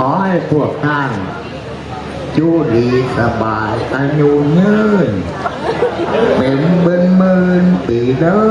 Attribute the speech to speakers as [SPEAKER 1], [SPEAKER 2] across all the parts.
[SPEAKER 1] อให้พวกท่านอยู่ดีสบายอายุยืนเป็นหมื่นปีเด้อ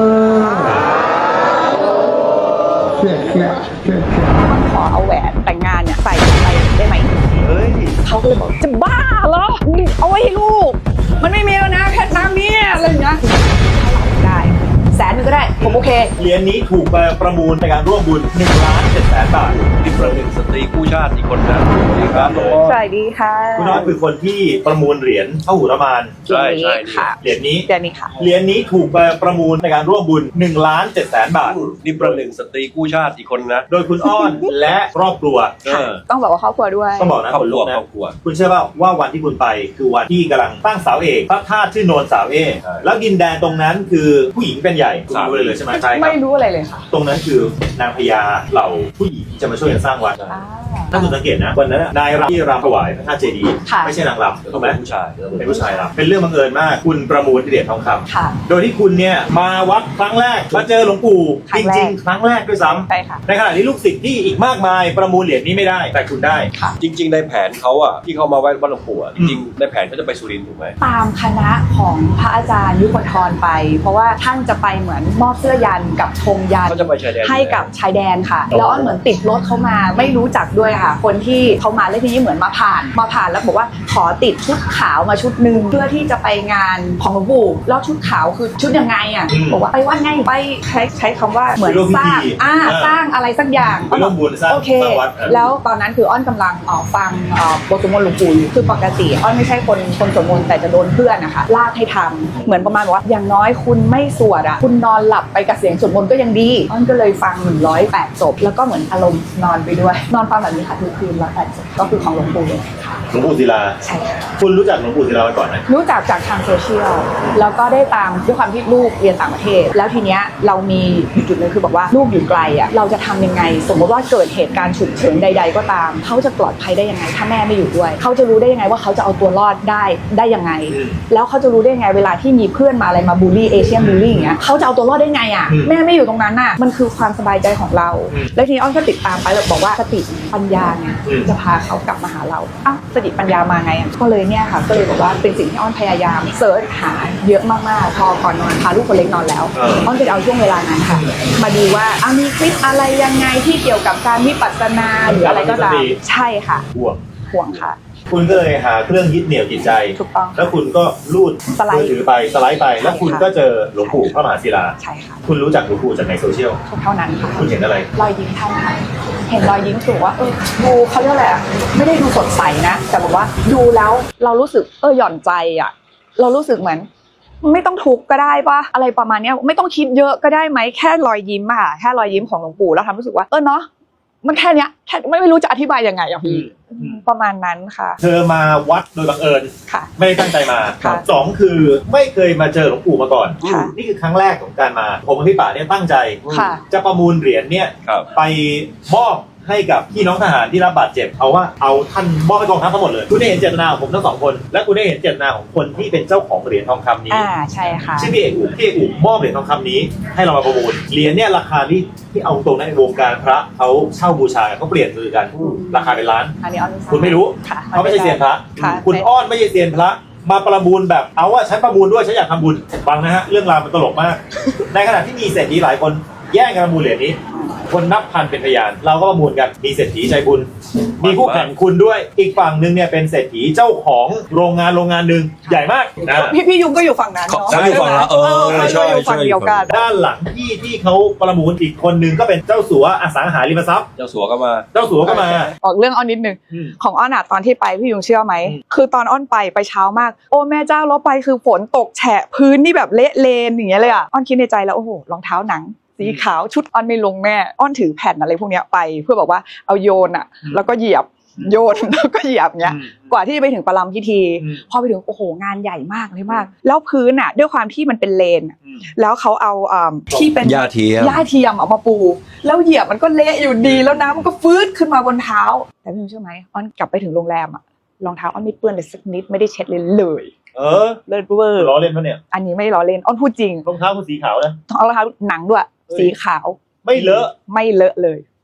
[SPEAKER 1] เชื่อ
[SPEAKER 2] มันขอเอาแหวนแต่งงานเนี่ยใส่ไปได้ไหมเขาก็เลยบอกจะบ้าเหรอเอาไว้ให้ลูกมันไม่มีแล้วนะแค่น้ำเนี่ยอะไรอย่างเงี้ยได้100,000ก็ได้ผมโอเค
[SPEAKER 3] เหรียญนี้ถูกประมูลในการร่วมบุญ1,700,000 บาท
[SPEAKER 4] นี่ประหนึ่งสตรีกู้ชาติอีกคนนะสวัสดีครับน้อง
[SPEAKER 2] สวัสดีค่ะ
[SPEAKER 3] คุณน้อยคือคนที่ประมูลเหรียญพหุรมาน
[SPEAKER 4] ใช่
[SPEAKER 2] ค่ะ
[SPEAKER 3] เหรียญนี้
[SPEAKER 2] ค่ะ
[SPEAKER 3] เหรียญนี้ถูกประมูลในการร่วมบุญ1,700,000 บาท
[SPEAKER 4] นี่ประหนึ่งสตรีกู้ชาติอีกคนนะ
[SPEAKER 3] โดยคุณอ้อนและครอบครัว
[SPEAKER 2] ต้องบอกว่าครอบครัวด้วย
[SPEAKER 3] ต้องบอกนะคนลุกนะคุณเชื่อป่าวว่าวันที่คุณไปคือวันที่กำลังตั้งเสาเอกพระธาตุชื่อโนนเสาเอกแล้วดินแดนตรงนั้นคือผู้หญิงเป็นใหญ่คุณรู้เลยใช่ไหมใช่
[SPEAKER 2] ไม่รู้อะไรเลยค่ะ
[SPEAKER 3] ตรงนั้นคือนางพญาเหล่าผู้หญิงที่จะมาช่วยกันสร้างวัดถ้าคุณสังเกตนะวันนั้นนายรำที่รำถวายพระธาตุเจดีย์ไม่ใช่นางรำถูกไหม
[SPEAKER 4] ผู้ชาย
[SPEAKER 3] เป็นผู้ชายรำเป็นเรื่องบังเอิญมากคุณประมูลเหรียญทองคำโดยที่คุณเนี่ยมาวัดครั้งแรกมาเจอหลวงปู่จริงๆครั้งแรกด้วยซ้ำในขณะที่ลูกศิษย์ที่อีกมากมายประมูลเหรียญนี้ไม่ได้แต่คุณได้
[SPEAKER 4] จริงๆในแผนเขาอ่ะที่เขามาไหว้วัดหลวงปู่จริงๆในแผนเขาจะไปสุรินทร์ถูกไหม
[SPEAKER 2] ตามคณะของพระอาจารย์ยุคนทรไปเพราะว่าท่านจะไปเหมือนมอบเสื้อยันกับธงยันให้กับชายแดนค่ะแล้วอ้อนเหมือนติดรถเขามาไม่รู้จักด้วยค่ะคนที่เขามาแล้วทีนี้เหมือนมาผ่านแล้วบอกว่าขอติดชุดขาวมาชุดนึงเพื่อที่จะไปงานของหลวงปู่แล้วชุดขาวคือชุดยังไงอ่ะบอกว่าไปวัดไงไปใช้คำว่าเหมือนสร้างอะไรสักอย่างโอเคแล้วตอนนั้นคืออ้อนกำลังฟังบทสวดมนต์หลวงปู่อยู่คือปกติอ้อนไม่ใช่คนสวดมนต์แต่จะโดนเพื่อนนะคะลากให้ทำเหมือนประมาณว่าอย่างน้อยคุณไม่สวดอ่ะคุณนอนหลับไปกับเสียงสวดมนต์ก็ยังดีอ้อนก็เลยฟัง108 จบแล้วก็เหมือนอารมณ์นอนไปด้วยนอนฟังแบบนี้ค่ะทุกคืน108 จบก็คือของหลวงปู่เลย
[SPEAKER 3] หลวงปู่ศิลา
[SPEAKER 2] ใช่ค่ะ
[SPEAKER 3] คุณรู้จักหลวงปู่ศิลามาก่อนไหม
[SPEAKER 2] รู้จักจากทางโซเชียลแล้วก็ได้ตามด้วยความที่ลูกเรียนต่างประเทศแล้วทีเนี้ยเรามีจุดนึงคือบอกว่าลูกอยู่ไกลอ่ะเราจะทำยังไงสมมติว่าเกิดเหตุการณ์ฉุกเฉินใดๆก็ตามเขาจะปลอดภัยได้ยังไงถ้าแม่ไม่อยู่ด้วยเขาจะรู้ได้ยังไงว่าเขาจะเอาตัวรอดได้ยังไงแล้วเขาจะรู้ได้ยังไงเวลาที่มีเพื่อนมาอะไรมาบูลลี่เอเชียนบูลลี่อย่างเงี้ยเขาจะเอาตัวรอดได้ไงอ่ะแม่ไม่อยู่ตรงนั้นน่ะมันคือความสบายใจของเราแล้วทีนี้อ้อนก็ติดตามไปแล้วบอกว่าสติปัญญาเนี่ยจะพาเขากลับมาหาเราสติปัญญามาไงก็เลยเนี่ยค่ะก็เลยบอกว่าเป็นสิ่งที่อ้อนพยายามเสิร์ชหาเยอะมากๆพอก่อนนอนพาลูกคนเล็กนอนแล้วอ้อนก็จะเอาช่วงเวลานั้นค่ะมาดูว่ามีคลิปอะไรยังไงที่เกี่ยวกับการวิปัสสนาหรืออะไรก็ตามใช่ค่ะห่วงค่ะ
[SPEAKER 3] คุณก็เลยหาเครื่องยึดเหนี่ยวจิตใจ
[SPEAKER 2] ถูกต้อง
[SPEAKER 3] แล้วคุณก็ลูดมือถือไปสไลด์ไปแล้วคุณก็เจอหลวงปู่พระมหาศิลา
[SPEAKER 2] ใช่ค่ะ
[SPEAKER 3] คุณรู้จักหลวงปู่จากในโซเชียล
[SPEAKER 2] เท่านั้นค่ะ
[SPEAKER 3] คุณเห็นอะไร
[SPEAKER 2] รอยยิ้มท่านค่ะเห็นรอยยิ้มถือว่าดูเขาเรียกอะไรไม่ได้ดูสดใสนะแต่บอกว่าดูแล้วเรารู้สึกหย่อนใจอ่ะเรารู้สึกเหมือนไม่ต้องทุกข์ก็ได้ป่ะอะไรประมาณนี้ไม่ต้องคิดเยอะก็ได้ไหมแค่รอยยิ้มค่ะแค่รอยยิ้มของหลวงปู่แล้วทำรู้สึกว่าเนาะมันแค่เนี้ยแค่ไม่รู้จะอธิบายยังไงอ่ะพี่ประมาณนั้นค่ะ
[SPEAKER 3] เธอมาวัดโดยบังเอิญ
[SPEAKER 2] ค่ะ
[SPEAKER 3] ไม่ได้ตั้งใจมา2คือไม่เคยมาเจอหลวงปู่มาก่อนนี่คือครั้งแรกของการมาผมกับพี่ป่าเนี่ยตั้งใจจะประมูลเหรียญเนี่ยไปมอบให้กับพี่น้องทหารที่รับบาดเจ็บเอาท่านมอบให้กองทัพทั้งหมดเลยคุณได้เห็นเจตนาของผมทั้ง2คนและคุณได้เห็นเจตนาของคนที่เป็นเจ้าของเหรียญทองคำนี้
[SPEAKER 2] ใช่ค่ะ
[SPEAKER 3] ชื่อพี่เอกอุ๋มมอบเหรียญทองคำนี้ให้เรามาประมูลเหรียญเนี่ยราคาที่เอาตรงในวงการพระเขาเช่าบูชาเขาเปลี่ยนมือกันราคาเป็นล้านคุณไม่รู้เขาไม่ใช่เซียนพระคุณอ้อนไม่ใช่เซียนพระมาประมูลแบบเอาว่าฉันประมูลด้วยฉันอยากทำบุญฟังนะฮะเรื่องราวมันตลกมากในขณะที่มีเศรษฐีหลายคนแย่งกันประมูลเหรียญนี้คนนับพันเป็นพยานเราก็ประมูลกันมีเศรษฐีใจบุญมีผู้แข่งคุณด้วยอีกฝั่งนึงเนี่ยเป็นเศรษฐีเจ้าของโรงงานหนึ่งใหญ่มาก
[SPEAKER 2] พี่ยุงก็อยู่ฝั่งนั้นเนาะ
[SPEAKER 4] อยู่ฝั่งละ
[SPEAKER 2] ใช่อยู่ฝั่งเดียวกัน
[SPEAKER 3] ด้านหลังที่เขาประมูลอีกคนนึงก็เป็นเจ้าสัวอสังหาริมทรัพย์
[SPEAKER 4] เจ้าสัวก็มา
[SPEAKER 2] ออกเรื่องอ้อนนิดนึงของอ้อนตอนที่ไปพี่ยุงเชื่อไหมคือตอนอ้อนไปเช้ามากโอ้แม่เจ้าเราไปคือฝนตกแฉะพื้นนี่แบบเละเลนอย่างเงี้ยเลยอ้อนคิดในใจแล้วโอ้โหรองเท้าหนังสีขาวชุดอ้อนไม่ลงแม่อ้อนถือแผ่นอะไรพวกนี้ไปเพื่อบอกว่าเอาโยนแล้วก็เหยียบโยนแล้วก็เหยียบเงี้ยกว่าที่จะไปถึงประลัมพิธีพอไปถึงโอ้โหงานใหญ่มากเลยมากแล้วพื้นด้วยความที่มันเป็นเลนแล้วเขาเอาที่เป็น
[SPEAKER 4] หญ้าเ
[SPEAKER 2] ทียมเอามาปูแล้วเหยียบมันก็เละอยู่ดีแล้วน้ำมันก็ฟื้นขึ้นมาบนเท้าแต่พี่เชื่อไหมอ้อนกลับไปถึงโรงแรมรองเท้าอ้อนไม่เปื้อนเลยสักนิดไม่ได้เช็ดเลยเลิศเวอร์
[SPEAKER 3] ล้อเล่นปะเนี่ย
[SPEAKER 2] อันนี้ไม่ล้อเล่นอ้อนพูดจริง
[SPEAKER 3] รองเท้าคุณสีขาวนะ
[SPEAKER 2] รองเท้าหนังด้วยสีขาว
[SPEAKER 3] ไม่เลอะ
[SPEAKER 2] เลย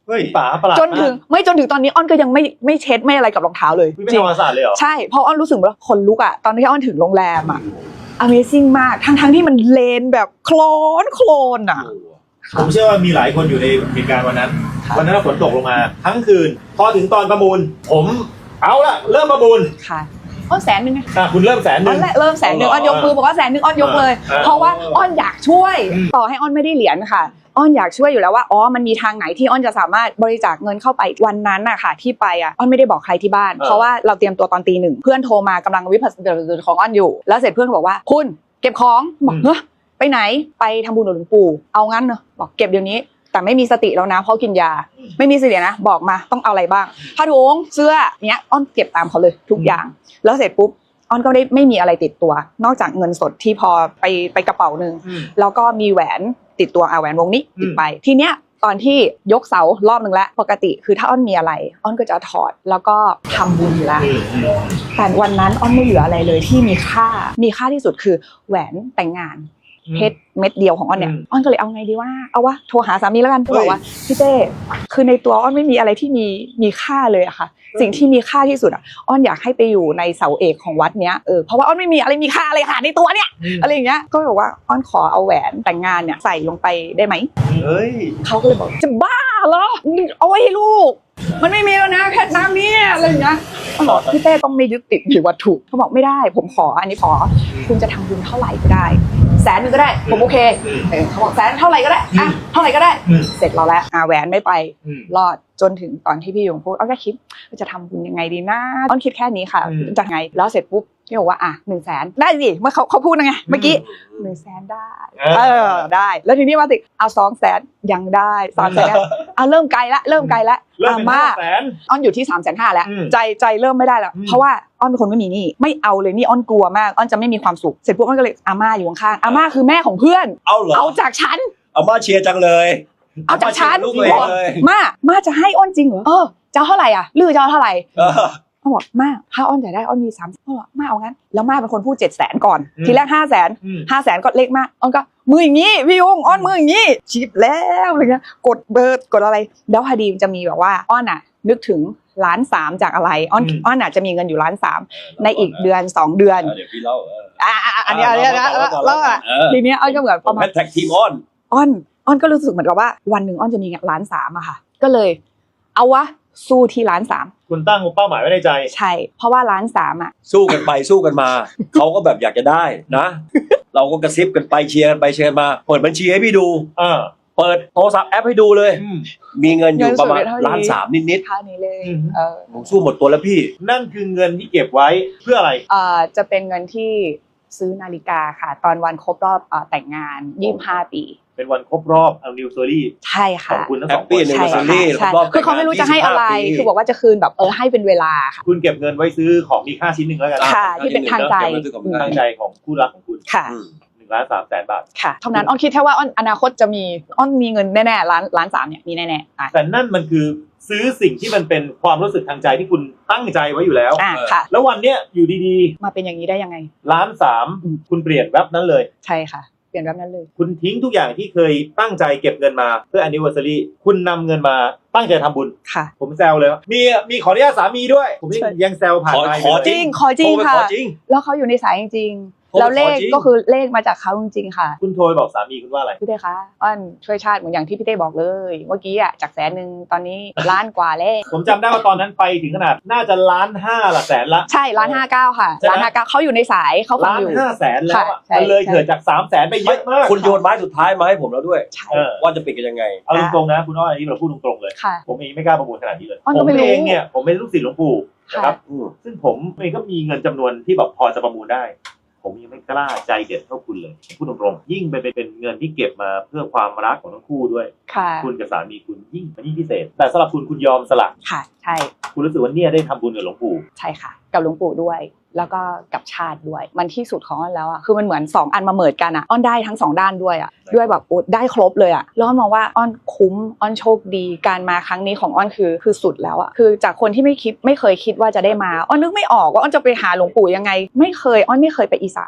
[SPEAKER 3] เฮ้ยป๋าประหลาด
[SPEAKER 2] จนถึงตอนนี้อ้อนก็ยังไม่เช็ดไม่อะไรกับรองเท้าเลย
[SPEAKER 3] ไม่ทำความสะอาดเลยเหรอ
[SPEAKER 2] ใช่เพราะอ้อนรู้สึกว่าคนลุกอ่ะตอนที่อ้อนถึงโรงแรมอ่ะ Amazing มากทั้งที่มันเลนแบบโคลนอ่ะ
[SPEAKER 3] ผมเชื่อว่ามีหลายคนอยู่ในเหตุการณ์วันนั้นฝนตกลงมาทั้งคืนพอถึงตอนประมูลผมเอาละเริ่มประมูล
[SPEAKER 2] ค่ะอ้อน100,000ไง
[SPEAKER 3] คุณเริ่ม100,000
[SPEAKER 2] อ้อนเริ่ม100,000อ้อนยกมือบอกว่า100,000อ้อนยกเลย เพราะว่าอ้อนอยากช่วยต่อให้อ้อนไม่ได้เหรียญค่ะอ้อนอยากช่วยอยู่แล้วว่าอ๋อมันมีทางไหนที่อ้อนจะสามารถบริจาคเงินเข้าไปวันนั้นน่ะค่ะที่ไปอ่ะอ้อนไม่ได้บอกใครที่บ้านเพราะว่าเราเตรียมตัวตอน1:00เพื่อนโทรมากำลังวิปัสสนาของอ้อนอยู่แล้วเสร็จเพื่อนบอกว่าคุณเก็บของบอกเฮ้ยไปไหนไปทำบุญกับหลวงปู่เอางั้นเนอะบอกเก็บเดี๋ยวนี้แต่ไม่มีสติแล้วนะเพราะกินยาไม่มีสตินะบอกมาต้องเอาอะไรบ้างผ้าถุงเสื้อเนี้ยอ้อนเก็บตามเขาเลยทุกอย่างแล้วเสร็จปุ๊บอ้อนก็ไม่มีอะไรติดตัวนอกจากเงินสดที่พอไปกระเป๋านึงแล้วก็มีแหวนติดตัวแหวนวงนี้ติดไปทีเนี้ยตอนที่ยกเสารอบนึงแล้วปกติคือถ้าอ้อนมีอะไรอ้อนก็จะถอดแล้วก็ทำบุญอยู่แล้วแต่วันนั้นอ้อนไม่เหลืออะไรเลยที่มีค่าที่สุดคือแหวนแต่งงานเพชรเม็ดเดียวของอ้อนเนี่ยอ้อนก็เลยเอาไงดีว่าเอาวะโทรหาสามีแล้วกันบอกว่าพี่เต้คือในตัวอ้อนไม่มีอะไรที่มีค่าเลยอะค่ะสิ่งที่มีค่าที่สุดอะอ้อนอยากให้ไปอยู่ในเสาเอกของวัดเนี้ยเพราะว่าอ้อนไม่มีอะไรมีค่าเลยค่ะในตัวเนี่ยอะไรอย่างเงี้ยก็บอกว่าอ้อนขอเอาแหวนแต่งงานเนี่ยใส่ลงไปได้ไหมเขาก็เลยบอกจะบ้าเหรอเอาไว้ให้ลูกมันไม่มีแล้วนะเพชรน้ำนี่อะไรอย่างเงี้ยบอกพี่เต้ต้องไม่ยึดติดในวัตถุเขาบอกไม่ได้ผมขออันนี้ขอคุณจะทำบุญเท่าไหร่ก็ได้100,000ก็ได้ผมโอเคเขาบอก100,000เท่าไหร่ก็ได้อะเท่าไหร่ก็ได้เสร็จเราแล้วแหวนไม่ไปรอดจนถึงตอนที่พี่ยงพูดอ้อนก็คิดจะทำบุญยังไงดีนะอ้อนคิดแค่นี้ค่ะจะไงแล้วเสร็จปุ๊บพี่บอกว่า100,000ได้สิเมื่อเขาพูดไงเมื่อกี้100,000ได้ได้แล้วทีนี้มาสิเอา200,000ยังได้300,000เริ่มไกลละมาอ้อนอยู่ที่350,000แล้วใจเริ่มไม่ได้แล้วเพราะว่าอ้อนเป็นคนไม่มีหนี้ไม่เอาเลยนี่อ้อนกลัวมากอ้อนจะไม่มีความสุขเสร็จปุ๊บอ้อนก็เลยอาม่าอยู่ข้างๆอาม่าคือแม่ของเพื่อนเอาจากฉัน
[SPEAKER 4] อาม่าเชียร์จังเลย
[SPEAKER 2] เอาจากฉัน
[SPEAKER 4] เลย
[SPEAKER 2] มาจะให้อ้อนจริงเหรอจะเท่าไหร่อ่ะลือจะเท่าไหร่เขาบอกมาถ้าอ้อนจ่ายได้อ้อนมี3เขาบอกมาเอางั้นแล้วมาเป็นคนพูด700,000ก่อนทีแรก500,000ก็เล็กมากอ้อนก็มืออย่างงี้พี่ยงอ้อนมืออย่างงี้ชิปแล้วอะไรเงี้ยกดเบอร์กดอะไรแล้วพอดีมันจะมีแบบว่าอ้อนอ่ะนึกถึง1,300,000จากอะไรอ้อนอาจจะมีเงินอยู่1,300,000ในอีกเดือน2เดือน
[SPEAKER 4] เดี๋ยวพี่เล่า
[SPEAKER 2] อันนี้นะแล้วทีนี้อ้อนก็เหมือนประมาณ
[SPEAKER 4] แท็กทีมอ้
[SPEAKER 2] อนก็รู้สึกเหมือนกับว่าวันหนึ่งอ้อนจะมี1,300,000อะค่ะก็เลยเอาวะสู้ที่1,300,000
[SPEAKER 3] คุณตั้งเป้าหมายไว้ในใจ
[SPEAKER 2] ใช่เพราะว่า1,300,000อะ
[SPEAKER 4] สู้กันไปสู้กันมาเขาก็แบบอยากจะได้นะเราก็กระซิบกันไปเชียร์กันไปเชียร์มาเปิดบัญชีให้พี่ดูเปิดโทรศัพท์แอปให้ดูเลยมีเงินอยู่ประมาณ1,300,000นิดๆ
[SPEAKER 2] เท่านี้เลย
[SPEAKER 4] ผมสู้หมดตัวแล้วพี่
[SPEAKER 3] นั่นคือเงินที่เก็บไว้เพื่ออะไร
[SPEAKER 2] จะเป็นเงินที่ซื้อนาฬิกาค่ะตอนวันครบรอบแต่งงาน25 ปี
[SPEAKER 3] เป็นวันครบรอบ anniversary
[SPEAKER 2] ใช่ค่ะ
[SPEAKER 3] ของคุณทั้งสองคน
[SPEAKER 4] anniversary
[SPEAKER 2] คือเขาไม่รู้จะให้อะไรคือบอกว่าจะคืนแบบให้เป็นเวลาค่ะ
[SPEAKER 3] คุณเก็บเงินไว้ซื้อของมีค่าชิ้นหนึ่งแล้วกัน
[SPEAKER 2] ค่ะที่เป็นทางใจ
[SPEAKER 3] ของคู่รักของคุณ
[SPEAKER 2] ค่ะ
[SPEAKER 3] 1,300,000 บาท
[SPEAKER 2] ค่ะเท่านั้นอ้อนคิดแค่ว่าอ้อนอนาคตจะมีอ้อนมีเงินแน่ๆ1,300,000เนี่ยมีแน่ๆ
[SPEAKER 3] แต่นั่นมันคือซื้อสิ่งที่มันเป็นความรู้สึกทางใจที่คุณตั้งใจไว้อยู่แล้ว
[SPEAKER 2] ค่ะ
[SPEAKER 3] แล้ววันเนี้ยอยู่ดี
[SPEAKER 2] ๆมาเป็นอย่างนี้ได้ยังไง
[SPEAKER 3] 1,300,000คุณเปลี่ยนแวบนั้นเลย
[SPEAKER 2] ใช่ค่ะเปลี่ยนแบบนั้นเลย
[SPEAKER 3] คุณทิ้งทุกอย่างที่เคยตั้งใจเก็บเงินมาเพื่อ anniversary คุณนำเงินมาตั้งใจทำบุญ
[SPEAKER 2] ค่ะ
[SPEAKER 3] ผมแซวเลยมีขออนุญาตสามีด้วยผมยังแซวผ่านไป
[SPEAKER 2] ขอจริงค่ะแล้วเขาอยู่ในสายจริงแล้วเลขก็คือเลขมาจากเขาจริงๆค่ะ
[SPEAKER 3] คุณโทรบอกสามีคุณว่าอะไร
[SPEAKER 2] พี่เต้คะอ้อนช่วยชาติเหมือนอย่างที่พี่เต้บอกเลยเมื่อกี้อ่ะจาก100,000ตอนนี้ล้านกว่าแล้ว
[SPEAKER 3] ผมจำได้ว่าตอนนั้นไปถึงขนาดน่าจะ1,500,000ละแสนละ
[SPEAKER 2] ใช่1,59,000ค่ะ1,59,000เขาอยู่ในสายเขาฟังอยู่
[SPEAKER 3] 1,500,000แล้วมันเลยเกิดจาก300,000ไปเยอะมาก
[SPEAKER 4] คุณโยนไม้สุดท้ายมาให้ผมแล้วด้วยว่าจะปิดกันยังไง
[SPEAKER 3] เอาตรงๆนะคุณอ้อยอันนี้เราพูดตรงๆเลยผมเองไม่กล้าประมูลขนาดนี้เลยผมเองเนี่ยผมเป็นลูกศิษย์หลวงปู่นะครับซึ่งผมเองก็มีเงินจำนวนที่แบบพอจะประมูลได้ผมยังไม่กล้าใจเด็ดเท่าคุณเลยพูดตรงๆยิ่งเป็นเงินที่เก็บมาเพื่อความรักของทั้งคู่ด้วยคุณกับสามีคุณยิ่งพิเศษแต่สำหรับคุณยอมสละ
[SPEAKER 2] ค่ะใช่
[SPEAKER 3] คุณรู้สึกว่าเนี่ยได้ทำบุญกับหลวงปู่
[SPEAKER 2] ใช่ค่ะกับหลวงปู่ด้วยแล้วก็กับชาติด้วยมันที่สุดของอ้อนแล้วอ่ะคือมันเหมือน2อันมาเมิดกันอ่ะอ้อนได้ทั้ง2ด้านด้วยอ่ะด้วยแบบได้ครบเลยอ่ะแล้วอ้อนมองว่าอ้อนคุ้มอ้อนโชคดีการมาครั้งนี้ของอ้อนคือสุดแล้วอ่ะคือจากคนที่ไม่เคยคิดว่าจะได้มาอ้อนนึกไม่ออกว่าอ้อนจะไปหาหลวงปู่ยังไงอ้อนไม่เคยไปอีสาน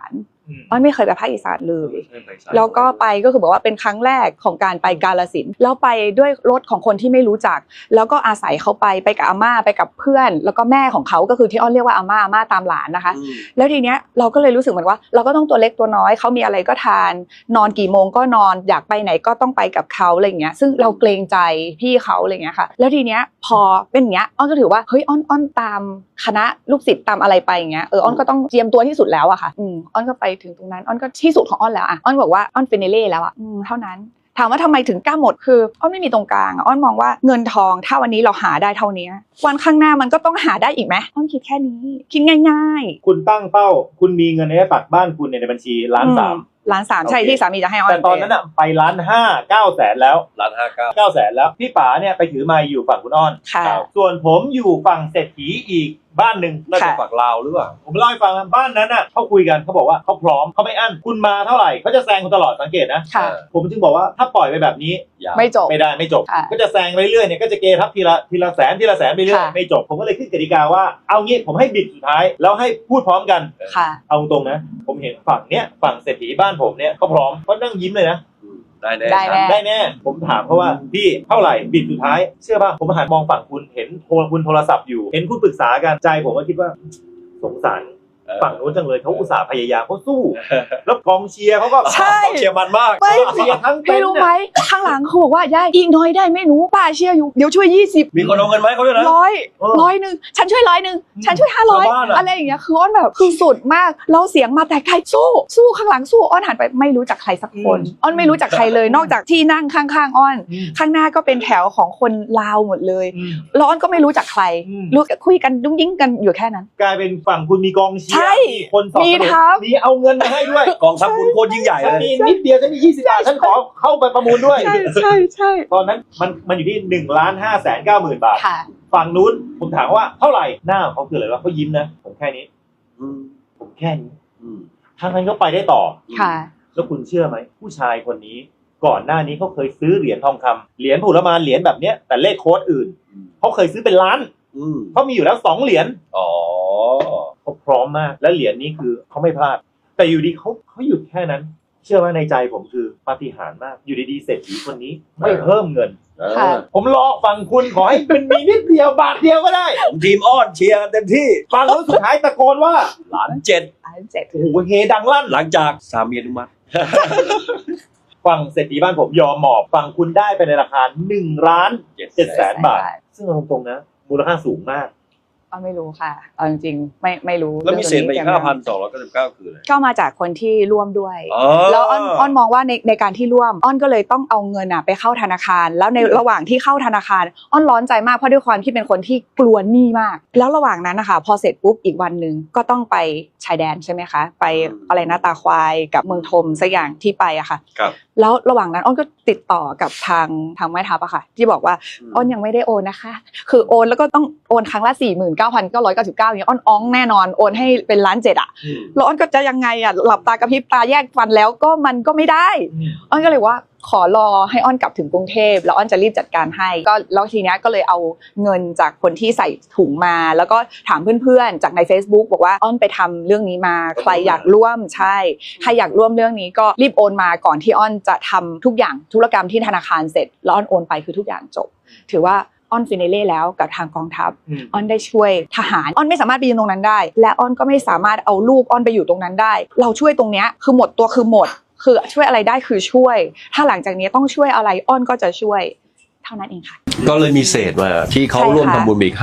[SPEAKER 2] อ้อนไม่เคยไปภาคอีสานเลยแล้วก็ไปก็คือบอกว่าเป็นครั้งแรกของการไปกาฬสินธุ์แล้วไปด้วยรถของคนที่ไม่รู้จักแล้วก็อาศัยเขาไปกับอาม่าไปกับเพื่อนแล้วก็แม่ของเขาก็คือที่อ้อนเรียกว่าอาม่าตามหลานนะคะแล้วทีเนี้ยเราก็เลยรู้สึกเหมือนว่าเราก็ต้องตัวเล็กตัวน้อยเขามีอะไรก็ทานนอนกี่โมงก็นอนอยากไปไหนก็ต้องไปกับเขาอะไรอย่างเงี้ยซึ่งเราเกรงใจพี่เขาอะไรอย่างเงี้ยค่ะแล้วทีเนี้ยพอเป็นอย่างเงี้ยอ้อนก็ถือว่าเฮ้ยอ้อนตามคณะลูกศิษย์ตามอะไรไปอย่างเงี้ยอ้อนก็ต้องเตรียมตัวที่สุดแล้วอะค่ะอ้อนก็ไปถึงตรงนั้นอ้อนก็ที่สุดของอ้อนแล้วอะอ้อนบอกว่าอ้อนฟินาเล่แล้วอะเท่านั้นถามว่าทำไมถึงกล้าหมดคืออ้อนไม่มีตรงกลางอ้อนมองว่าเงินทองถ้าวันนี้เราหาได้เท่านี้วันข้างหน้ามันก็ต้องหาได้อีกไหมอ้อนคิดแค่นี้คิดง่าย
[SPEAKER 3] ๆคุณตั้งเป้าคุณมีเงินในบัตรบ้านคุณในบัญชี1.3 ล้าน
[SPEAKER 2] ใช่ที่สามีจะให้อ้อน
[SPEAKER 3] แต่ตอนนั้นอะไป1.5 ล้าน9 แสนแล้ว9 แสนแล้วพี่ป๋าเนี่ยไปถือไมค์อยู่ฝั่งคุณอ้อนส่วนผมอยู่ฝั่งเศรษฐีอีกบ้านหนึ่งน่าจะฝั่งลาวหรือเปล่าผมเล่าให้ฟังบ้านนั้นน่ะเขาคุยกันเขาบอกว่าเขาพร้อมเขาไม่อั้นคุณมาเท่าไหร่เขาจะแซงคุณตลอดสังเกตนะผมจึงบอกว่าถ้าปล่อยไปแบบนี้
[SPEAKER 2] ไม่จบ
[SPEAKER 3] ไม่จบก็จะแซงไปเรื่อยเนี่ยก็จะเกทับทีละแสนไปเรื่อยไม่จบผมก็เลยขึ้นกติกาว่าเอางี้ผมให้บิดสุดท้ายแล้วให้พูดพร้อมกันเอาตรงนะผมเห็นฝั่งเศรษฐีบ้านผมเนี่ยเขาพร้อมเขานั่งยิ้มเลยนะได้แน่ผมถามเขาว่าพี่เท่าไหร่บิดสุดท้ายเชื่อป่ะผมหันมองฝั่งคุณเห็นคุณโทรศัพท์อยู่เห็นคุณปรึกษากันใจผมก็คิดว่าสงสารฝั่งนู้นจังเลยเขาอุตส่าห์พยายามเขาสู้แล้วกองเชียร์เขาก็เชียร์มันมากเชียร์ทั้งเต็นท์
[SPEAKER 2] ไม่รู้ไหมข้างหลังเขาบอกว่าย่าอีกน้อยได้ไม่หนูป้าเชียร์อยู่เดี๋ยวช่วย20
[SPEAKER 4] มีคนเอาเงินไหมเขาด้วยนะ
[SPEAKER 2] 100นึงฉันช่วย100นึงฉันช่วย500อะไรอย่างเงี้ยคืออ้อนแบบคือสุดมากเราเสียงมาแต่ไกลสู้ข้างหลังสู้อ้อนหันไปไม่รู้จักใครสักคนอ้อนไม่รู้จักใครเลยนอกจากที่นั่งข้างๆอ้อนข้างหน้าก็เป็นแถวของคนลาวหมดเลยแล้วอ้อนก็ไม่รู้จักใครรู้คุยกันดุ้งยิ้งกันอยู่แค่นั้น
[SPEAKER 3] กลายเป็นฝั่งคุณมีกองเชียร์มีคนสอบมีเอาเงินมาให้ด้วย
[SPEAKER 4] กองทัพคุณโคตรยิ่งใหญ่เลย
[SPEAKER 3] มีนิดเดียวจะมี20 บาทฉันขอเข้าไปประมูลด้วย
[SPEAKER 2] ใช่
[SPEAKER 3] ตอนนั้นมันอยู่ที่1,590,000 บาทฝั่งนู้นผมถามว่าเท่าไหร่หน้าเขาคืออะไรวะเขายิ้มนะผมแค่นี้ผมแค่นี้ทางนั้นก็ไปได้ต่อแล้วคุณเชื่อไหมผู้ชายคนนี้ก่อนหน้านี้เขาเคยซื้อเหรียญทองคำเหรียญผุรมานเหรียญแบบเนี้ยแต่เลขโค้ดอื่นเขาเคยซื้อเป็นล้านเขามีอยู่แล้ว2 เหรียญเขาพร้อมมากและเหรียญนี้คือเขาไม่พลาดแต่อยู่ดีเขาหยุดแค่นั้นเชื่อว่าในใจผมคือปาฏิหาริย์มากอยู่ดีๆเศรษฐีคนนี้ไม่เพิ่มเงินผมรอฟังคุณขอให้มันมีนิดเดียวบาทเดียวก็ได้
[SPEAKER 4] ทีมอ้อนเชียร์เต็มที่
[SPEAKER 3] ฟังแล้วสุดท้ายตะโกนว่า
[SPEAKER 4] 1,700,000
[SPEAKER 3] โอ้โหเฮดังลั่น
[SPEAKER 4] หลังจากสามีอนุมัติ
[SPEAKER 3] ฝั่งเศรษฐีบ้านผมยอมหมอบฝั่งคุณได้ไปในราคา1,700,000 บาทซึ่งเอาตรงๆนะมูลค่าสูงมาก
[SPEAKER 2] ไม่รู้ค่ะเอาจริงๆไม่รู้
[SPEAKER 4] แล้วมีเศษไปอีก 5,299 คืออะไร
[SPEAKER 2] ก็มาจากคนที่ร่วมด้วยแล้วอ้อนมองว่าในการที่ร่วมอ้อนก็เลยต้องเอาเงินไปเข้าธนาคารแล้วในระหว่างที่เข้าธนาคารอ้อนร้อนใจมากเพราะด้วยความที่เป็นคนที่กลัวหนี้มากแล้วระหว่างนั้นนะคะพอเสร็จปุ๊บอีกวันนึงก็ต้องไปชายแดนใช่ไหมคะไปอะไรนะตาควายกับเมืองธมสักอย่างที่ไปอะค่ะแล้วระหว่างนั้นอ้อนก็ติดต่อกับทางแม่ทัพอะค่ะที่บอกว่าอ้อนยังไม่ได้โอนนะคะคือโอนแล้วก็ต้องโอนครั้งละ49,999อย่างเงี้ยอ้อนแน่นอนโอนให้เป็น1.7 ล้านอะแล้วอ้อนก็จะยังไงอะหลับตากระพริบตาแยกฟันแล้วก็มันก็ไม่ได้อ้อนก็เลยว่าขอรอให้อ้อนกลับถึงกรุงเทพแล้วอ้อนจะรีบจัดการให้ก็แล้วทีเนี้ยก็เลยเอาเงินจากคนที่ใส่ถุงมาแล้วก็ถามเพื่อนๆจากใน Facebook บอกว่าอ้อนไปทำเรื่องนี้มาใครอยากร่วมใช่ใครอยากร่วมเรื่องนี้ก็รีบโอนมาก่อนที่อ้อนจะทำทุกอย่างธุรกรรมที่ธนาคารเสร็จแล้วอ้อนโอนไปคือทุกอย่างจบถือว่าอ้อนฟินาเล่แล้วกับทางกองทัพอ้อนได้ช่วยทหารอ้อนไม่สามารถไปยืนตรงนั้นได้และอ้อนก็ไม่สามารถเอาลูกอ้อนไปอยู่ตรงนั้นได้เราช่วยตรงเนี้ยคือหมดตัวคือหมดคือช่วยอะไรได้คือช่วยถ้าหลังจากนี้ต้องช่วยอะไรอ้อนก็จะช่วยเท่านั้นเองค่ะ
[SPEAKER 4] ก็เลยมีเศษมาที่เขาร่วมทำบุญอีก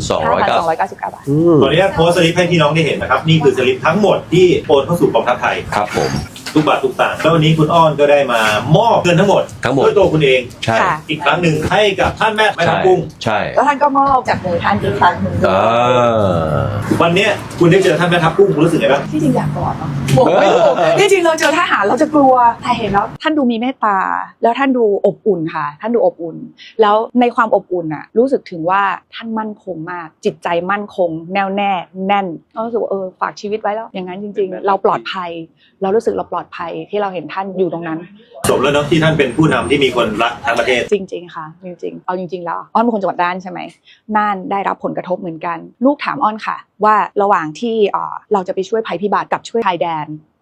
[SPEAKER 4] 5,299
[SPEAKER 2] บาท
[SPEAKER 3] ตอนนี้โพสต์สลิปให้พี่น้องได้เห็นนะครับนี่คือสลิปทั้งหมดที่โอนเข้าสู่กองทัพไทย
[SPEAKER 4] ครับผม
[SPEAKER 3] ทุกบาททุกสตางค์แล้ววันนี้คุณอ้อนก็ได้มามอบเงินทั้งหมดด้วยตัวคุณเอง
[SPEAKER 4] ใช่
[SPEAKER 3] อีกครั้งหนึ่งให้กับท่านแม่ทัพกุ้ง
[SPEAKER 4] ใช่
[SPEAKER 2] แล้วท่านก็มอบจากมือท่านอีกครั้งหนึ่ง
[SPEAKER 3] วันนี้คุณได้เจอท่านแม่ทัพกุ้งคุณรู้สึกไงบ้าง
[SPEAKER 2] ที่จริงอยากกอดเนาะไม่ถูกที่จริงเราเจอทหารเราจะกลัวแต่เห็นแล้วท่านดูมีเมตตาแล้วท่านดูอบอุ่นค่ะท่านดูอบอุ่นแล้วในความอบอุ่นน่ะรู้สึกถึงว่าท่านมั่นคงมากจิตใจมั่นคงแน่วแน่แน่นเรารู้สึกว่าฝากชีวิตไว้แล้วอย่างนั้นจริงๆเราปลอดภัยเรารู้สึกเราปลอดภัยที่เราเห็นท่านอยู่ตรงนั้น
[SPEAKER 3] สมแล้วเนาะที่ท่านเป็นผู้นำที่มีคนรักทั้งประเทศ
[SPEAKER 2] จริงๆค่ะจริงๆเอาจริงๆแล้วอ้อนเป็นคนจังหวัดน่านใช่ไหมน่านได้รับผลกระทบเหมือนกันลูกถามอ้อนค่ะว่าระหว่างที่เราจะไปช่วยภัยพิบัติกับช่วยชายแดน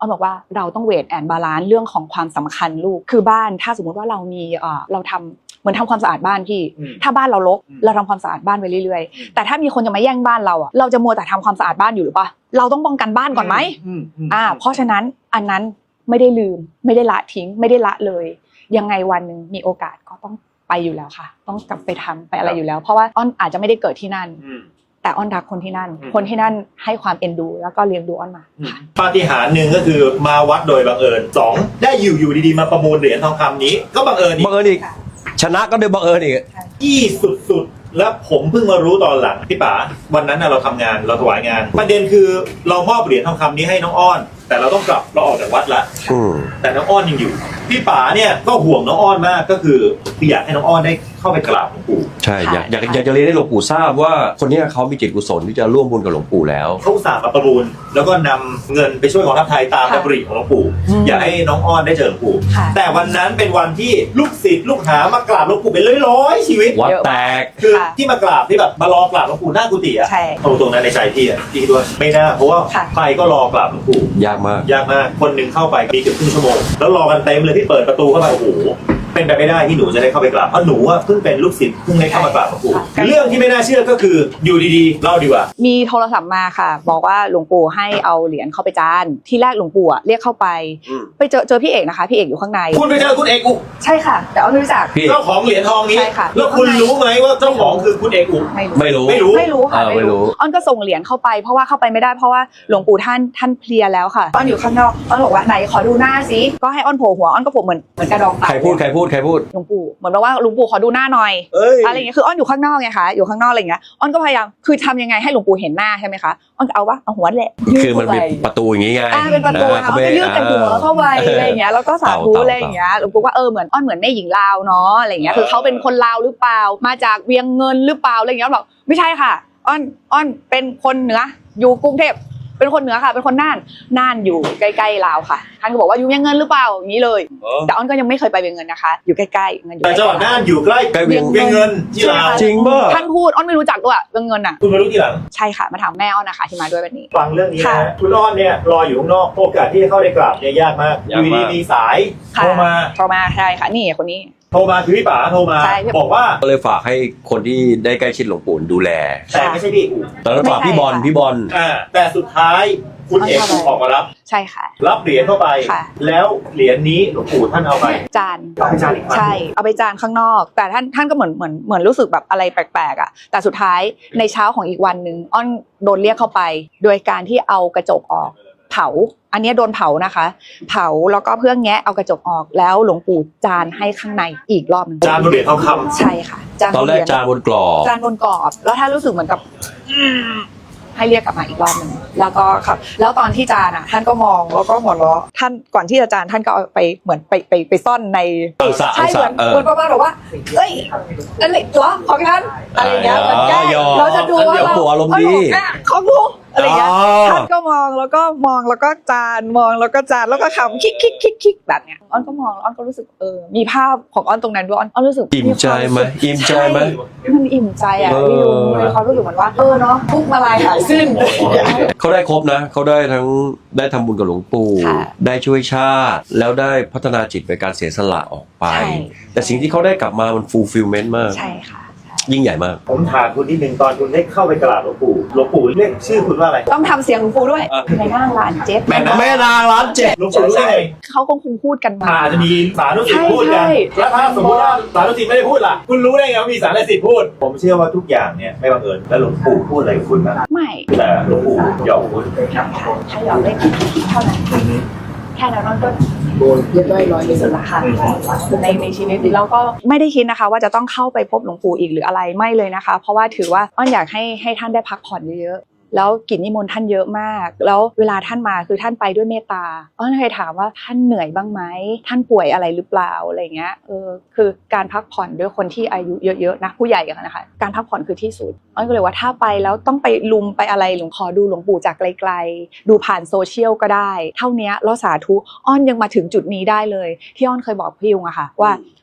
[SPEAKER 2] อ้อนบอกว่าเราต้องเวทแอนบาลานซ์เรื่องของความสำคัญลูกคือบ้านถ้าสมมติว่าเรามีเราทำเหมือนทำความสะอาดบ้านพี่ถ้าบ้านเรารกเราทำความสะอาดบ้านไปเรื่อยๆแต่ถ้ามีคนจะมาแย่งบ้านเราอ่ะเราจะมัวแต่ทำความสะอาดบ้านอยู่หรือปะเราต้องป้องกันบ้านก่อนไหมเพราะฉะนั้นอันนั้นไม่ได้ลืมไม่ได้ละทิ้งไม่ได้ละเลยยังไงวันหนึ่งมีโอกาสก็ต้องไปอยู่แล้วค่ะต้องกลับไปทำไปอะไรอยู่แล้วเพราะว่าอ้อนอาจจะไม่ได้เกิดที่นั่นแต่อ้อนรักคนที่นั่นคนที่นั่นให้ความเอ็นดูแล้วก็เลี้ยงดูอ้อนมา
[SPEAKER 3] ปาฏิหาริย์หนึ่งก็คือมาวัดโดยบังเอิญ2ได้อยู่ดีๆมาประมูลเหรียญทองคำนี้ก็บังเอิญ
[SPEAKER 4] อีกชนะก็โดยบังเอิญอีก
[SPEAKER 3] ที่สุดๆแล้วผมเพิ่งมารู้ตอนหลังพี่ป๋าวันนั้นเราทำงานเราถวายงานประเด็นคือเรามอบเหรียญทองคำนี้ให้น้องอ้อนแต่เราต้องกลับเราออกจากวัดละแต่น้องอ้อนยังอยู่พี่ป๋าเนี่ยก็ห่วงน้องอ้อนมากก็คืออยากให้น้องอ้อนได้เข้าไปกราบหลวงปู่
[SPEAKER 4] ใช่อยากจะเรียนให้หลวงปู่ทราบว่าคนนี้เขามีจิตกุศลที่จะร่วมบุญกับหลวงปู่แล้ว
[SPEAKER 3] เขาอุตส่าห์มาประมูลแล้วก็นำเงินไปช่วยกองทัพไทยตามดำริของหลวงปู่อยากให้น้องอ้อนได้เจอหลวงปู่แต่วันนั้นเป็นวันที่ลูกศิษย์ลูกหามากราบหลวงปู่เป็นร้อยๆชีวิต
[SPEAKER 4] วัดแตก
[SPEAKER 3] คือที่มากราบที่แบบมารอกราบหลวงปู่หน้ากุฏิอ่ะตรงนั้นในใจพี่ด้วยไม่น่าเพราะว่าใครก็รอกราบหลวงปู่
[SPEAKER 4] ยากมาก
[SPEAKER 3] คนหนึ่งเข้าไปมีเกือบครึ่งชั่วโมงแล้วรอกันเต็มเลยที่เปิดประตูเข้าไปโอ้โหเป็นไปไม่ได้ที่หนูจะได้เข้าไปกราบเพราะหนูเพิ่งเป็นลูกศิษย์เพิ่งได้เข้ามากราบหลวงปู่เรื่องที่ไม่น่าเชื่อก็คืออยู่ดีๆเล่าดีกว่า
[SPEAKER 2] มีโทรศัพท์มาค่ะบอกว่าหลวงปู่ให้เอาเหรียญเข้าไปจานที่แรกหลวงปู่เรียกเข้าไปเจอพี่เอกนะคะพี่เอกอยู่ข้างใน
[SPEAKER 3] คุณไปเจอคุณเอกอุ
[SPEAKER 2] ใช่ค่ะแต่อ้อนไม่รู้จัก
[SPEAKER 3] เจ้าของเหรียญทองนี้แล้วคุณรู้ไหมว่าเจ้าของคือคุณเอกอุ
[SPEAKER 4] ไม่รู้
[SPEAKER 2] ค่ะไม่รู้อ้อนก็ส่งเหรียญเข้าไปเพราะว่าเข้าไปไม่ได้เพราะว่าหลวงปู่ท่านเพลียแล้วค่ะอ้อนอยู่ข้างนอกอ้อนบอกว่าไหนขอดูหน้าซิก็ให้อ้อนโผล่หัวอ้อนก็โผล่เหมือนกระดอง
[SPEAKER 4] ใครพูด
[SPEAKER 2] หลวงปู่เหมือนว่าหลวงปู่ขอดูหน้าหน่อยอะไรอย่างเงี้ยคืออ้อนอยู่ข้างนอกไงคะอยู่ข้างนอกอะไรอย่างเงี้ยอ้อนก็พยายามคือทำยังไงให้หลวงปู่เห็นหน้าใช่ไหมคะอ้อนก็เอาหัวแหละ
[SPEAKER 4] คือมันเป็นประตูอย่างงี้ไง
[SPEAKER 2] เป็นประตูเขาก็ยื่นแต่หัวเข้าไปอะไรอย่างเงี้ยแล้วก็สาธุอะไรอย่างเงี้ยหลวงปู่ว่าเหมือนอ้อนเหมือนแม่หญิงลาวเนาะอะไรอย่างเงี้ยคือเขาเป็นคนลาวหรือเปล่ามาจากเวียงเงินหรือเปล่าอะไรอย่างเงี้ยบอกไม่ใช่ค่ะอ้อนเป็นคนเหนืออยู่กรุงเทพเป็นคนเหนือค่ะเป็นคนน่านอยู่ใกล้ๆลาวค่ะท่านก็บอกว่าอยู่เวียงเงินหรือเปล่าอย่างนี้เลยแต่อ้อนก็ยังไม่เคยไปเวียงเงินนะคะอยู่ใกล้ๆเงินอยู่
[SPEAKER 3] แต่จังหวัดน่านอยู่ใกล้เวียงเงินที่ลาว
[SPEAKER 4] จริงป่ะ
[SPEAKER 2] ท่านพูดอ้อนไม่รู้จักด้วยเวียงเงินอ่ะ
[SPEAKER 3] คุณมารู้ทีหลัง
[SPEAKER 2] ใช่ค่ะมาถามแม่อ้อนนะคะที่มาด้วยวันนี้
[SPEAKER 3] ฟังเรื่องนี้นะคุณอ้อนเนี่ยรออยู่ข้างนอกโอกาสที่จะเข้าได้กราบเนี่ยยากมากอยู่ดีมีสายโทรมา
[SPEAKER 2] ใช่ค่ะนี่คนนี้
[SPEAKER 3] โทรมาคือพี่ป๋าโทรมาบอกว่า
[SPEAKER 4] ก็เลยฝากให้คนที่ได้ใกล้ชิดหลวงปู่ดูแล
[SPEAKER 3] แต่ไม่ใช่พี่อู๋
[SPEAKER 4] ตอนนั้นฝากพี่บอล
[SPEAKER 3] แต่สุดท้ายคุณเอกออกมารับ
[SPEAKER 2] ใช่ค่ะ
[SPEAKER 3] รับเหรียญเข้าไปแล้วเหรียญนี้หลวงปู่ท่านเอาไป
[SPEAKER 2] จานอีกใช่เอาไปจานข้างนอกแต่ท่านก็เหมือนรู้สึกแบบอะไรแปลกๆอ่ะแต่สุดท้ายในเช้าของอีกวันนึงอ้อนโดนเรียกเข้าไปโดยการที่เอากระจกออกเผาอันนี้โดนเผานะคะเผาแล้วก็เพื่อแงะเอากระจกออกแล้วหลวงปู่จานให้ข้างในอีกรอบนึง
[SPEAKER 3] จานบนเหรียญทองคำ
[SPEAKER 2] ใช่ค่ะ
[SPEAKER 4] ตอนแรกจานบนกรอบ
[SPEAKER 2] แล้วถ้ารู้สึกเหมือนกับให้เรียกกลับมาอีกรอบนึงแล้วก็ครับแล้วตอนที่จานท่านก็มองแล้วก็หัวเราะท่านก่อนที่จะจานท่านก็เอาไปเหมือนไปซ่อนในใช่เหมือนประมาณแบบว่าเอ้ยอะไรตัวของท่านอะไรอย่างเงี้ยเหมือนแก้เราจะดูว่า
[SPEAKER 4] เราอารมณ์ดี
[SPEAKER 2] ของดูอะไรอย่างเงี้ยท่านก็มองแล้วก็จานมองแล้วก็จานแล้วก็ขำคิกแบบเนี้ยอ้อนก็มองอ้อนก็รู้สึกมีภาพของอ้อนตรงนั้นด้วยอ้อนรู้สึก
[SPEAKER 4] อิ่มใจไหม
[SPEAKER 2] มันอิ่มใจอ่ะพี่ลุงมีความรู้สึกเหมือนว่าเนาะทุกมาลายหายสิ้น
[SPEAKER 4] เขาได้ครบนะเขาได้ทั้งได้ทำบุญกับหลวงปู่ได้ช่วยชาติแล้วได้พัฒนาจิตในการเสียสละออกไปแต่สิ่งที่เขาได้กลับมามันฟูลฟิลเมนต์มาก
[SPEAKER 2] ใช่ค่ะ
[SPEAKER 4] ยิ่งใหญ่มาก
[SPEAKER 3] ผมถามคุณนิดนึงตอนคุณได้เข้าไปกราบหลวงปู่เรียกชื่อคุณว่าอะไร
[SPEAKER 2] ต้องทำเสียงหลวงปู่ด้วยแม่นางร้านเจ็ด
[SPEAKER 4] แม่นางร้านเจ็ด
[SPEAKER 3] หลวงปู่รู้ได้ไง
[SPEAKER 2] เขาคงพูดกันมา
[SPEAKER 3] จะมีสานุสิทธิ์พูดกันแล้วถ้าสมมติว่าสานุสิทธิ์ไม่ได้พูดล่ะคุณรู้ได้ไงว่ามีสานุสิทธิ์พูดผมเชื่อว่าทุกอย่างเนี่ยไม่บังเอิญแล้วหลวงปู่พูดอะไรกับคุณนะ
[SPEAKER 2] ไม่
[SPEAKER 3] แต่หลวงปู่หยอกคุณ
[SPEAKER 2] ถ้าหยอกได้เท่านั้นแค่นั้นก็เรียบร้อยที่สุดละค่ะในชีวิตเราก็ไม่ได้คิดนะคะว่าจะต้องเข้าไปพบหลวงปู่อีกหรืออะไรไม่เลยนะคะเพราะว่าถือว่าอ้อนอยากให้ท่านได้พักผ่อนเยอะๆแล้วกิจนิมนต์ท่านเยอะมากแล้วเวลาท่านมาคือท่านไปด้วยเมตตาอ้อนเคยถามว่าท่านเหนื่อยบ้างไหมท่านป่วยอะไรหรือเปล่าอะไรเงี้ยคือการพักผ่อนด้วยคนที่อายุเยอะๆนะผู้ใหญ่กันนะคะการพักผ่อนคือที่สุดอ้อนก็เลยว่าถ้าไปแล้วต้องไปลุมไปอะไรหลวงขอดูหลวงปู่จากไกลๆดูผ่านโซเชียลก็ได้เท่านี้แล้วสาธุอ้อนยังมาถึงจุดนี้ได้เลยที่อ้อนเคยบอกพี่ยุงอะค่ะว่า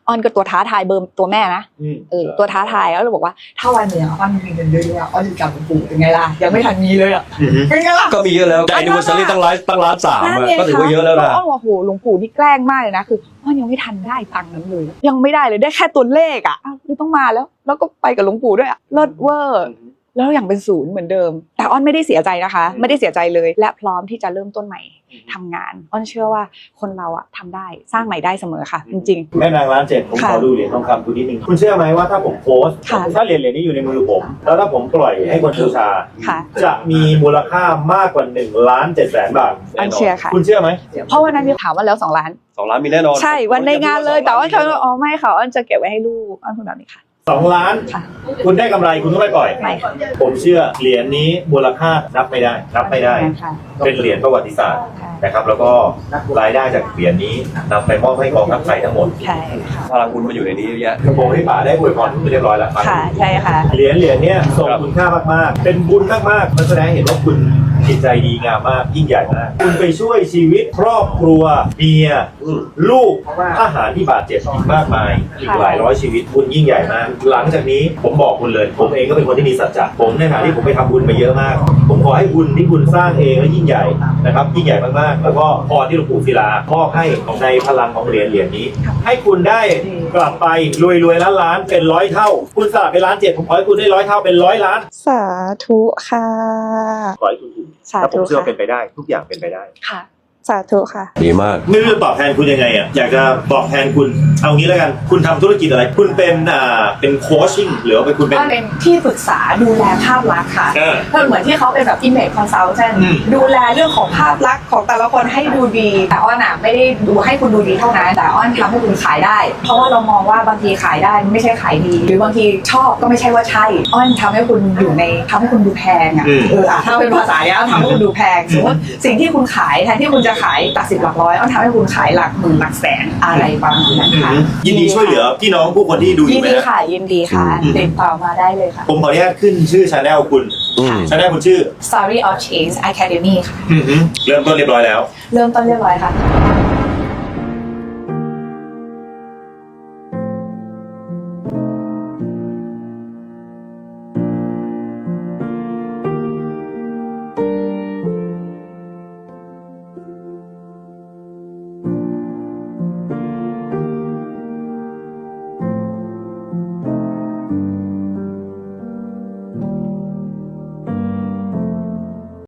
[SPEAKER 2] อ้อนก็ตัวท้าทายเบอร์ตัวแม่นะตัวท้าทายแล้วเราบอกว่าถ้าวันหนึ่งอ้อนมีเงินเยอะๆอ้อนจะกลับหลวงปู่เป็นไงล่ะยังไม่ทันมีเลยอ่ะเป็นไงล่ะ
[SPEAKER 4] ก็มีเยอะแล้วแต่ anniversary ตั้งล้านสามก็ถือว่าเยอะแล้วนะ
[SPEAKER 2] อ้อนว่าโหหลวงปู่นี่แกล้งมากเลยนะคืออ้อนยังไม่ทันได้ตังค์นั้นเลยยังไม่ได้เลยได้แค่ตัวเลขอ่ะไม่ต้องมาแล้วก็ไปกับหลวงปู่ด้วยอ่ะเลิศเวอร์แล้วอย่างเป็นศูนย์เหมือนเดิมแต่อ้อนไม่ได้เสียใจนะคะไม่ได้เสียใจเลยและพร้อมที่จะเริ่มต้นใหม่ทำงานอ้อนเชื่อว่าคนเราอะทำได้สร้างใหม่ได้เสมอค่ะจริงๆ
[SPEAKER 3] แม่นางล้านเจ็ดผมขอดูเหรียญทองคำคุณนิดนึงคุณเชื่อไหมว่าถ้าผมโพสต์ถ้าเหรียญนี้อยู่ในมือผมแล้วถ้าผมปล่อยให้คนบูชาจะมีมูลค่ามากกว่า1,700,000 บาท
[SPEAKER 2] อ้อนเชื่อค่ะ
[SPEAKER 3] คุณเชื่อไหม
[SPEAKER 2] เพราะวันนั้นพี่ถามว่าแล้ว2 ล้าน
[SPEAKER 4] 2 ล้านมีแน่นอน
[SPEAKER 2] ใช่วันในงานเลยแต่ว่าเขาอ๋อไม่ค่ะอ้อนจะเก็บไว้ให้ลูกอ้อนพูดแบบนี้ค่ะ
[SPEAKER 3] 2 ล้าน คุณได้กำไรคุณก็ไม่ปล่อย
[SPEAKER 2] ไม่
[SPEAKER 3] ผมเชื่อเหรียญนี้มูลค่านับไม่ได้เป็นเหรียญประวัติศาสตร์นะครับแล้วก็รายได้จากเหรียญนี้นำไปมอบให้กองทัพไทยทั้งหมด
[SPEAKER 2] ใช่ค่ะ
[SPEAKER 4] พลังบุญมาอยู่ในนี้เยอะแยะ
[SPEAKER 3] ผมให้ป๋าได้อวยพรคุณเรียบร้อยแล้ว
[SPEAKER 2] ค่ะใช่ค่ะ
[SPEAKER 3] เหรียญเนี้ยทรงคุณค่ามากๆเป็นบุญมากๆมันแสดงให้เห็นว่าคุณจิตใจดีงามมากยิ่งใหญ่มากคุณไปช่วยชีวิตครอบครัวเมียลูกทหารที่บาดเจ็บอีกมากมายอีกหลายร้อยชีวิตคุณยิ่งใหญ่มากหลังจากนี้ผมบอกคุณเลยผมเองก็เป็นคนที่มีสัจจะผมในฐานะที่ผมไปทำบุญมาเยอะมากผมขอให้บุญที่คุณสร้างเองและยิ่งใหญ่นะครับยิ่งใหญ่มากๆแล้วก็พรที่หลวงปู่ศิลามอบให้ในพลังของเหรียญนี้ให้คุณได้กลับไปรวยล้านเป็น100 เท่าคุณสละไป1,700,000ผมขอให้คุณได้100 เท่าเป็น100 ล้าน
[SPEAKER 2] สาธุค่ะ
[SPEAKER 3] ขอให้คุณถูก
[SPEAKER 2] สา
[SPEAKER 3] แล้วผ
[SPEAKER 2] ธุ
[SPEAKER 3] มเชื่อว่า
[SPEAKER 2] ค่ะ
[SPEAKER 3] เป็นไปได้ทุกอย่างเป็นไปได้
[SPEAKER 2] ค่ะสาธุค่ะ
[SPEAKER 4] ดีมาก
[SPEAKER 3] ไม่รู้จะตอบแทนคุณยังไงอ่ะอยากจะบอกแทนคุณเอางี้แล้วกันคุณทำธุรกิจอะไรคุณเป็นโคชชิ่งหรือว่าคุณเป็น
[SPEAKER 2] ก็เป็นที่ปรึกษาดูแลภาพลักษณ์ค่ะ ก็เหมือนที่เขาเป็นแบบ image consultant ดูแลเรื่องของภาพลักษณ์ของแต่ละคนให้ดูดีแต่อ้อนอ่ะไม่ได้ดูให้คุณดูดีเท่านั้นแต่อ้อนทำให้คุณขายได้ เพราะว่าเรามองว่าบางทีขายได้ไม่ใช่ขายดี หรือบางทีชอบก็ไม่ใช่ว่าใช่อ้อนทำให้คุณอยู่ในทำให้คุณดูแพงอ่ะถ้าเป็นภาษาเนี้ยทำให้คุณดูแพงสมมติสิ่งที่คุณขายแทนที่คุณจะขายหลัก10หลักร้อยอ้อนทำให้คุณขายหลักหมื่นหลักแสนอะไรประมาณนั้นค่ะ
[SPEAKER 3] ยินดีช่วยเหลือพี่น้องผู้คนที่ดูอ
[SPEAKER 2] ยิ
[SPEAKER 3] ยู่
[SPEAKER 2] น
[SPEAKER 3] ไหม
[SPEAKER 2] ดี
[SPEAKER 3] ฮะ
[SPEAKER 2] ค่ะยินดีค่ะติดต่อมาได้เลยค่ะ
[SPEAKER 3] ผมขออนุญาตขึ้นชื่อชาแนลคุณชาแนลคุณชื่อ
[SPEAKER 2] Story of Change Academy ค่ะ
[SPEAKER 3] เริ่มต้นเรียบร้อยแล้ว
[SPEAKER 2] เริ่มต้นเรียบร้อยค่ะ